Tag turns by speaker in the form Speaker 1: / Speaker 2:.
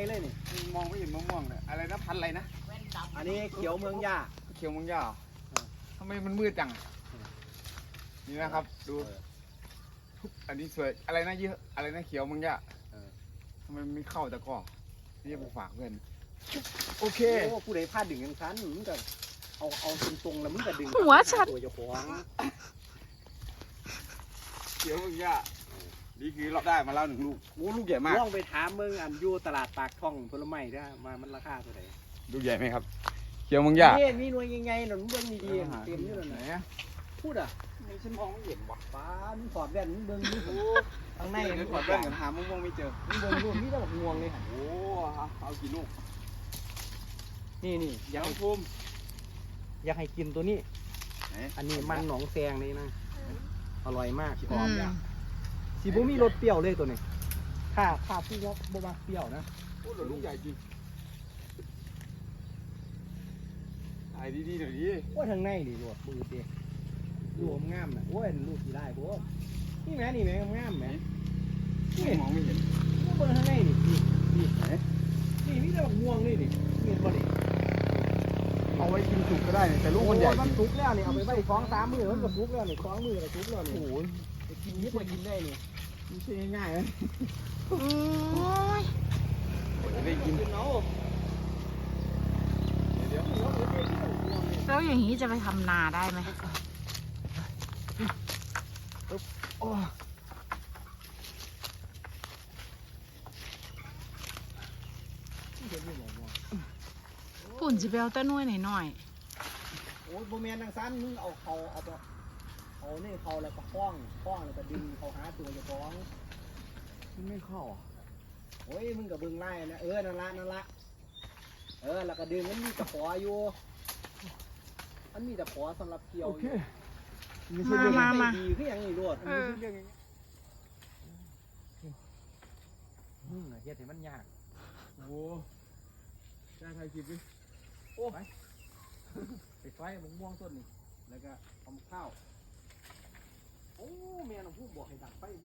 Speaker 1: เลยนี่
Speaker 2: มองไม่เห็นมะม่วงเลยอะไรนะพันธุ์อะไรนะ
Speaker 1: อันนี้เขียวเมืองย่า
Speaker 2: เขียวเมืองย่าทำไมมันมืดจังนี่นะครับดูอันนี้สวยอะไรนะเยอะอะไรนะเขียวเมืองย่าทำไมไม่เข้าตะก้อนี่จะไปฝากเพื่อนโอเค
Speaker 1: โอ้ผู้ใดพลาดดึงกันชั้นมึงก็เอาตรงๆแล้วมึงก็ดึง
Speaker 3: หัวฉัน
Speaker 1: ตัวเจ้าของ
Speaker 2: เขียวเมืองย่านี่คือเราได้มาแล้ว1 ลูกโอ้ลูกใหญ่มาก
Speaker 1: ลองไปถามมึงอันอยู่ตลาดปากท่องผลไม้ได้มันราคาเท่าไหร่
Speaker 2: ลูกใหญ่ไหมครับเขียวเมืองย่า
Speaker 1: นี่มีหน่วยยังไงหนุนเบิ้งดีๆเต็มอยู่
Speaker 2: ไหน
Speaker 1: นั่น
Speaker 2: อะ
Speaker 1: พูดอ่ะ
Speaker 2: ไม่ฉันมองไม่เห็นว่ะ
Speaker 1: ป้ามึงสอดแว่นมึงเบิ้งนี่ข้างใน
Speaker 2: เดี๋ยวถอดแว่นกันหามะม่วงไม่เจอ
Speaker 1: มึงเบิ้งรูปนี่ต้องงวงเลยค่ะ
Speaker 2: โอ้เอากี่ลูก
Speaker 1: นี่อ
Speaker 2: ยั
Speaker 1: ยาก
Speaker 2: ง
Speaker 1: ให้
Speaker 2: ภูมิ
Speaker 1: อยากให้กินตัวนี้
Speaker 2: ไหน
Speaker 1: อันนี้มันหนองแซงนี่นะอร่อยมาก
Speaker 3: อืม
Speaker 1: สีบุมีรสเปรี้ยวเลยตัวนี้ถ้าพี่ว่าบ่มักเปรี้ยวนะ
Speaker 2: โอ้ลูกใหญ่จริงถ่ายดีๆหน่อยดิ
Speaker 1: ว่าทางในนี่รวดมือเด็กรวมงามนะโอ้ยลูกสีได้พวกนี่แม่งามแม่นี่
Speaker 2: มองไม่เห็น
Speaker 1: ว่าเบอร์ทางในนี่ไหนนี่มีแต่บักม่วงนี่ดิเห็นบ่ดิ
Speaker 2: เอาไว้กินสุกก็ได้แต่ลูกมันใหญ่จ
Speaker 1: มัน
Speaker 2: ริง
Speaker 1: สุกแล้วนี่เอาไปไว้2-3 มื้อมันก็สุกแล้วนี่2 มื้อก็สุกแล้วนี่
Speaker 2: โอ้โห
Speaker 1: ไปกินนิดไปกินได้นี่
Speaker 2: ไม่ใช่ง่ายๆนะ
Speaker 3: โอ้ย
Speaker 2: จะได้กิน
Speaker 1: กินเอา
Speaker 2: เดี๋ยว
Speaker 3: แล้วอย่างนี้จะไปทำนาได้ไหม
Speaker 2: โอ้
Speaker 3: ปุ่นจะไปเอาต้นน้อยหน่อย
Speaker 1: โอ้ยบ่แม่นทางซันมึงเอานี่เขาแล้วก็คล้องแล้วก็ดึงเขาหาตัวเจ้าของ
Speaker 2: มันไม่เข้าอ่ะ
Speaker 1: โอ้ยมึงกับเบิ่งไล่นะนั่นละแล้วก็ดึงมันมีตะขออยู่มันมีตะขอสำหรับเกี่ยว
Speaker 2: โอเค
Speaker 1: ไม่ใช่เรื่องไม่ดีคืออย่างนี้รวด
Speaker 3: ๆเออ
Speaker 2: เรื่องอย่างเงี้ย
Speaker 1: มึงน่ะเฮ็ดให้มันยาก
Speaker 2: โอ้จ้าถ่ายคลิปดิ
Speaker 1: โอ้ไปไฟมะม่วงต้นนี่แล้วก็ทำข้าวโอ้แม่น้องผู้บอกให้ดักไฟ